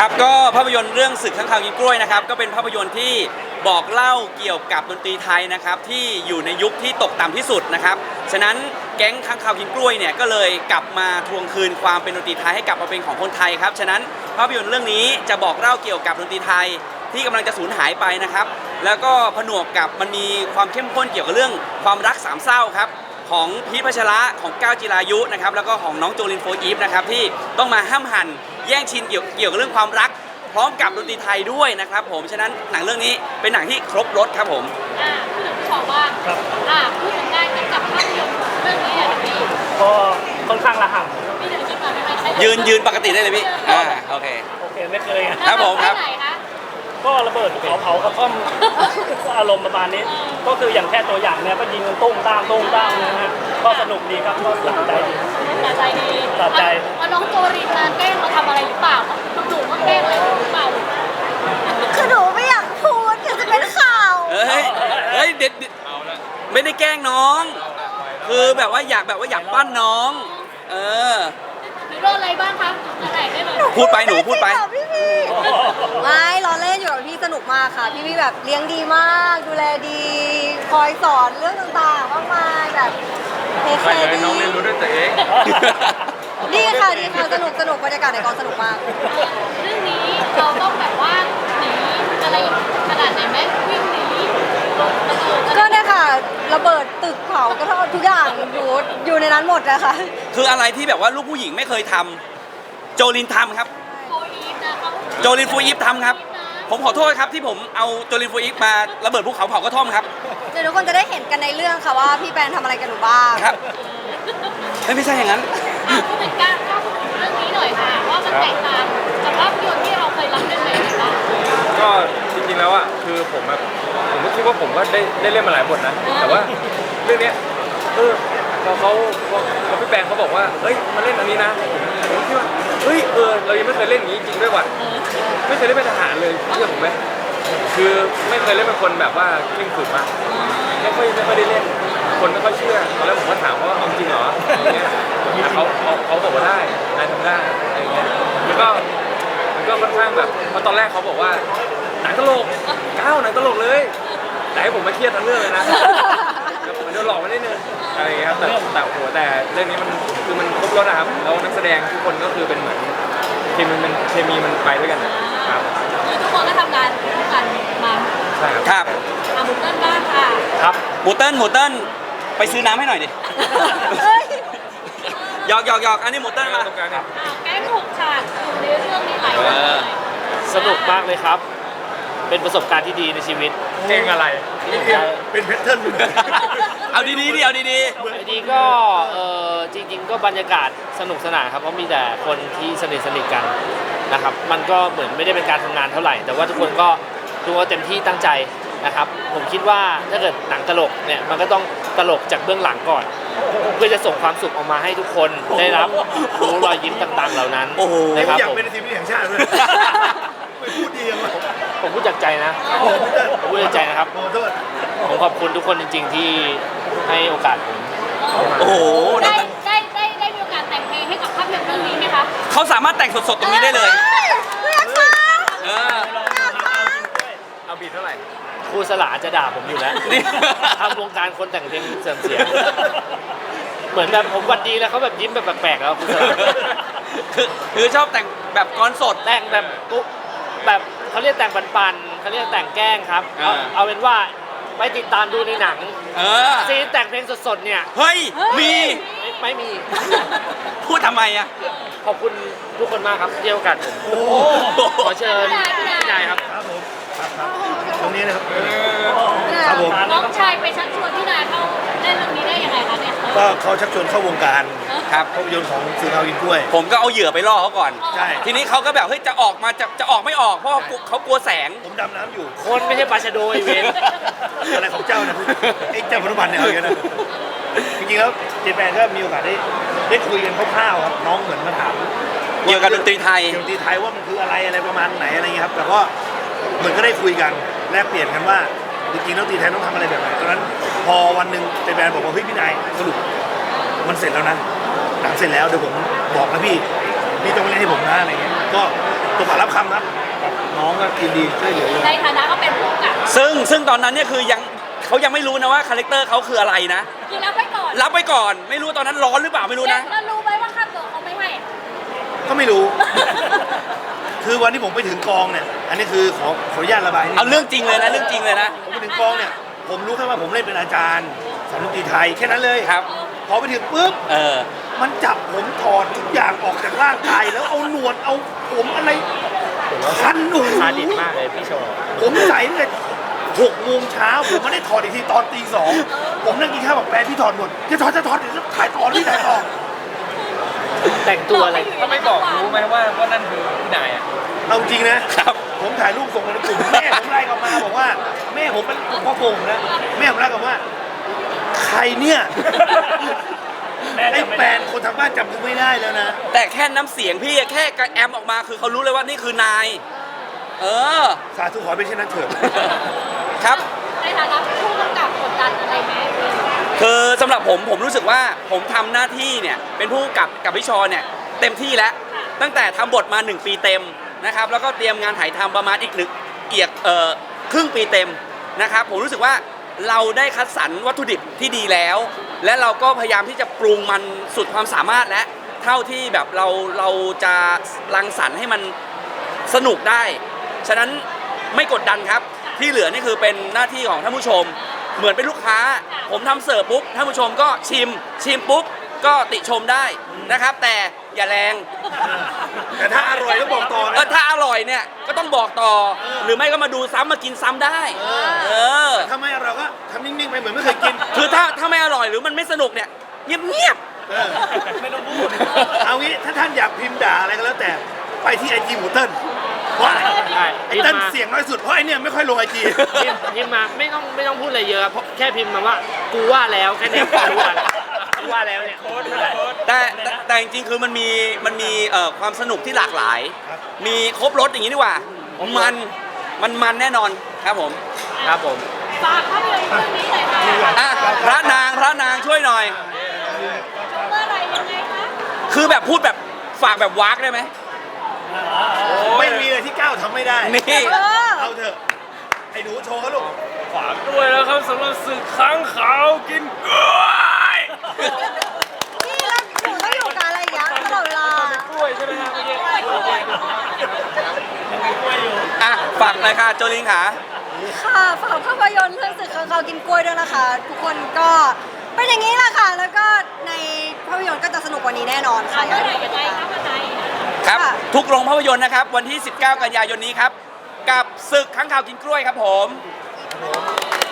ครับก็ภาพยนตร์เรื่องศึกข้างคาวกินกล้วยนะครับก็เป็นภาพยนตร์ที่บอกเล่าเกี่ยวกับดนตรีไทยนะครับที่อยู่ในยุคที่ตกต่ำที่สุดนะครับฉะนั้นแก๊งข้างคาวกินกล้วยเนี่ยก็เลยกลับมาทวงคืนความเป็นดนตรีไทยให้กลับมาเป็นของคนไทยครับฉะนั้นภาพยนตร์เรื่องนี้จะบอกเล่าเกี่ยวกับดนตรีไทยที่กำลังจะสูญหายไปนะครับแล้วก็ผนวกกับมันมีความเข้มข้นเกี่ยวกับเรื่องความรักสามเศร้าครับของพีชพัชระของก้าวจิรายุนะครับแล้วก็ของน้องโจลินโฟอีฟนะครับที่ต้องมาห้ามหันแย่งชิงเกี่ยวกับเรื่องความรักพร้อมกับดนตรีไทยด้วยนะครับผมฉะนั้นหนังเรื่องนี้เป็นหนังที่ครบรสครับผมพูดถึงขอว่าพูดถึงได้กับภาพยนตร์เรื่องนี้อย่างนี้ก็ค่อนข้างระห่ำพี่เดี๋ยวคิดก่อนไม่ใช่ยืนปกติได้เลยพี่โอเคไม่เคยครับผมครับก็ระเบิดเผากระท่อมอารมณ์ประมาณนี้ก็คืออย่างแค่ตัวอย่างเนี่ยก็ยิงกันตุ้มตามนะฮะก็สนุกดีครับก็สะใจดีสะใจน้องโจรีนแกล้งเราทำอะไรหรือเปล่าหนูว่าแกล้งอะไรหรือเปล่าคือหนูไม่อยากพูดเดี๋ยวจะเป็นข่าวเฮ้ยเด็ดไม่ได้แกล้งน้องคือแบบว่าอยากปั้นน้องหนูโดนอะไรบ้างคะอะไรได้เลยพูดไปหนูพูดไปพี่ไม่ล้อเล่นอยู่กับพี่สนุกมากค่ะพี่แบบเลี้ยงดีมากดูแลดีคอยสอนเรื่องต่างๆมากมายแบบเทคแคร์ดีน้องเรียนรู้ด้วยตัวเองดีค่ะสนุกบรรยากาศในกองสนุกมากเรื่องนี้เราต้องแบบว่าหนีอะไรขนาดไหนไหมวิ่งหนีก็เนี่ยค่ะระเบิดตึกเผากระท่อมทุกอย่างอยู่ในนั้นหมดเลยค่ะคืออะไรที่แบบว่าลูกผู้หญิงไม่เคยทำโจลินทำครับโจลินฟูยิปทำครับผมขอโทษครับที่ผมเอาโจลินฟูยิปมาระเบิดภูเขาเผากระท่อมครับเดี๋ยวทุกคนจะได้เห็นกันในเรื่องค่ะว่าพี่แปนทำอะไรกันหนูบ้างครับไม่ใช่อย่างนั้นพูดถึงการเรื่องนี้หน่อยค่ะว่ามันแตกต่างจากภาพยนตร์ที่เราเคยรับเล่นไหมคะก็จริงๆแล้วอ่ะคือผมก็คิดว่าผมก็ได้เล่นมาหลายบทนะแต่ว่าเรื่องนี้พอพี่แปงเขาบอกว่าเฮ้ยมาเล่นอันนี้นะผมคิดว่าเฮ้ยเรายังไม่เคยเล่นอย่างนี้จริงด้วยว่ะไม่เคยเล่นเป็นทหารเลยเชื่อผมไหมคือไม่เคยเล่นเป็นคนแบบว่าเคร่งขรึมมากไม่ค่อยได้เล่นคนไม่ค่อยเชื่อตอนแรกผมก็ถามว่าเอาจริงเหรออย่างเงี้ยแต่เขาบอกว่าได้นายทำได้อะไรเงี้ยแล้วก็มันก็ค่อนข้างแบบเพราะตอนแรกเขาบอกว่าหนังตลกหนังตลกเลยแต่ให้ผมมาเครียดทั้งเรื่องเลยนะผมโดนหลอกมาได้นึงอะไรครับแต่เรื่องนี้มันคือมันครบรสนะครับแล้วนักแสดงทุกคนก็คือเป็นเหมือนเคมีมันไปด้วยกันครับทุกคนก็ทำงานกันมาใช่ครับหมูเติ้ลบ้างค่ะครับหมูเติ้ลไปซื้อน้ำให้หน่อยดิหยอกอันนี้หมูเติ้ลมาแก๊งหกฉากอยู่ในเรื่องนี้หลายคนสนุกมากเลยครับเป็นประสบการณ์ที่ดีในชีวิตเก่งอะไรเป็นแพทเทิร์นเอาดีก็จริงๆก็บรรยากาศสนุกสนานครับเพราะมีแต่คนที่สนิทกันนะครับมันก็เหมือนไม่ได้เป็นการทำงานเท่าไหร่แต่ว่าทุกคนก็เต็มที่ตั้งใจนะครับผมคิดว่าถ้าเกิดหนังตลกเนี่ยมันก็ต้องตลกจากเบื้องหลังก่อนเพื่อจะส่งความสุขออกมาให้ทุกคนได้รับรู้รอยยิ้มต่างๆเหล่านั้นนะครับผมอยากเป็นทีมแห่งชาติด้วยไม่พูดดีมั้งผมพูดจากใจนะผมพูดจากใจนะครับผมขอบคุณทุกคนจริงๆที่ให้โอกาสผมโอ้โหได้มีโอกาสแต่งเพลงให้กับภาพยนตร์เรื่องนี้ไหมคะเขาสามารถแต่งสดๆตรงนี้ได้เลยเอาบีทเท่าไหร่ครูสลาจะด่าผมอยู่แล้วทำวงการคนแต่งเพลงเสื่อมเสียเหมือนแบบผมวันดีแล้วเขาแบบยิ้มแบบแปลกๆแล้วครูสลาคือชอบแต่งแบบก้อนสดแต่งแบบเขาเรียกแต่งปันๆเขาเรียกแต่งแกล้งครับเอาเป็นว่าไปติดตามดูในหนังซีนแต่งเพลงสดๆเนี่ยเฮ้ยมีไม่มีพูดทำไมอ่ะขอบคุณทุกคนมากครับที่ให้โอกาสผมขอเชิญพี่นายครับผมตรงนี้นะครับครับผมน้องชายไปชักชวนพี่นายเข้าเล่นเรื่องนี้ได้ยังไงคะเนี่ยก็เขาชักชวนเข้าวงการครับภาพยนตร์ของสื่อข่าวกินกล้วยผมก็เอาเหยื่อไปล่อเขาก่อนใช่ทีนี้เขาก็แบบเฮ้ยจะออกไม่ออกเพราะเขากลัวแสงผมดำน้ำอยู่คนไม่ใช่ปลาชะโดยเวนอะไรของเจ้านะไอ้เจ้าพนุบันเนี่ยเอาอย่างนั้นจริงๆแล้วเจแปนก็มีโอกาสได้คุยกันคร่าวๆครับน้องเหมือนมาถามเกี่ยวกับดนตรีไทยว่ามันคืออะไรประมาณไหนอะไรเงี้ยครับแต่ก็เหมือนก็ได้คุยกันแลกเปลี่ยนกันว่าจริงๆแล้วดนตรีไทยต้องทำอะไรแบบไหนตอนนั้นพอวันหนึ่งเจแปนบอกว่าเฮ้ยพี่นายสรุปมันเสร็จแล้วนะหนังเสร็จแล้วเดี๋ยวผมบอกนะพี่ต้องเล่นให้ผมนะอะไรเงี้ยก็ตัวปากรับคำครับน้องก็ยินดีช่วยเหลืออยู่ในฐานะก็เป็นผู้กำกับซึ่งตอนนั้นเนี่ยคือเขายังไม่รู้นะว่าคาแรคเตอร์เขาคืออะไรนะคือรับไว้ก่อนรับไปก่อนไม่รู้ตอนนั้นร้อนหรือเปล่าไม่รู้นะแล้วรู้ไหมว่าค่าตัวเขาไม่ให้ก็ไม่รู้ คือวันที่ผมไปถึงกองเนี่ย อันนี้คือขออนุญาตระบายนิดนึเอาเรื่องจริงเลยนะเรื่องจริงเลยนะผมไปถึงกองเนี่ย ผมรู้แค่ว่าผมเล่นเป็นอาจารย์สอนดนตรีไทยแค่นั้นเลยครับพอไปถึงปุ๊บเออมันจับผมถอดทุกอย่างออกจากร่างกายแล้วเอาหนวดเอาผมอะไรคันหูซาดิสมากเลยพี่โชว์ผมใส่ตั้งแต่6 โมงเช้าผมไม่ได้ถอดอีกทีตอนตี 2ผมนั่งกินข้าวกับแฟนพี่ถอดหนวดจะถอดเดี๋ยวจะถ่ายต่อที่ถ่ายต่อแต่งตัวอะไรถ้าไม่บอกรู้ไหมว่านั่นคือพี่นายอ่ะเอาจริงนะครับ ผมถ่ายรูปส่งมาในกลุ่มแม่ผมไล่กลับมาบอกว่าแม่ผมเป็นพ่อผมนะแม่ผมไล่กลับว่า ใครเนี่ยไอ้แฟนคนทางบ้านจำกูไม่ได้แล้วนะแต่แค่น้ำเสียงพี่แค่กระแอมออกมาคือเขารู้เลยว่านี่คือนาย เออสาธุขอเป็นเช่นนั้นเถิดครับในฐานะผู้กำกับกดดันอะไรไหมคือสำหรับผมรู้สึกว่าผมทำหน้าที่เนี่ยเป็นผู้กำกับพี่ชอเนี่ยเต็มที่แล้ว ตั้งแต่ทำบทมา 1 ปีเต็มนะครับแล้วก็เตรียมงานถ่ายทำประมาณอีกครึ่งปีเต็มนะครับผมรู้สึกว่าเราได้คัดสรรวัตถุดิบที่ดีแล้ว และเราก็พยายามที่จะปรุงมันสุดความสามารถและเท่าที่แบบเราจะรังสรรค์ให้มันสนุกได้ ฉะนั้นไม่กดดันครับที่เหลือนี่คือเป็นหน้าที่ของท่านผู้ชม เหมือนเป็นลูกค้า ผมทำเสิร์ฟปุ๊บท่านผู้ชมก็ชิมปุ๊บก็ติชมได้นะครับ แต่อย่าแรงแต่ถ้าอร่อยก็บอกต่อนะถ้าอร่อยเนี่ยก็ต้องบอกต่อ หรือไม่ก็มาดูซ้ำมากินซ้ำได้เออถ้าไม่อร่อยก็ทำนิ่งๆไปเหมือนไม่เคยกินคือถ้าไม่อร่อยหรือมันไม่สนุกเนี่ยเงียบเออไม่ต้องพูด เอางี้ถ้าท่านอยากพิมพ์ด่าอะไรก็แล้วแต่ไปที่ไอจีหมูเติ้ลเพราะใช่ไอเติ้ลเสียงน้อยสุดเพราะไอเนี่ยไม่ค่อยลงไอจีพิมพ์มาไม่ต้องพูดอะไรเยอะเพราะแค่พิมพ์มาว่ากูว่าแล้วแค่นี้กูว่าแล้วกูว่าแล้วเนี่ยๆแต่จริงๆคือมันมีความสนุกที่หลากหลาย มีครบรสอย่างนี้ดีกว่ามันแน่นอนครับผมครับผมฝากภาพยนตร์เรื่องนี้หน่อยค่ะอ่ะพระนางช่วยหน่อยเมื่อไหรยังไงคะคือแบบพูดแบบฝากแบบวากได้ไหมไม่มีอะไรที่ก้าวทำไม่ได้นี่เอาเถอะไอ้หนูโชว์เขาลูกฝากด้วยแล้วครับสำหรับศึกค้างขาวกินกล้วยนี่แล้วหนูต้องอยู่กับอะไรอย่างเงี้ยตลอดเวลากล้วยใช่ไหมครับเมื่อกี้อ่ะฝากเลยค่ะโจลิงค่ะค่ะฝากภาพยนตร์เรื่องศึกข้างคาวกินกล้วยด้วยนะคะ ทุกคนก็เป็นอย่างนี้แหละค่ะ แล้วก็ในภาพยนตร์ก็จะสนุกกว่านี้แนอนค่ะเมื่อไหรยังไงคะมาไหนครับค่ะทุกโรงภาพยนตร์นะครับ วันที่ 19 กันยายนนี้ครับ กับศึกข้างข่าวกินกล้วยครับผมข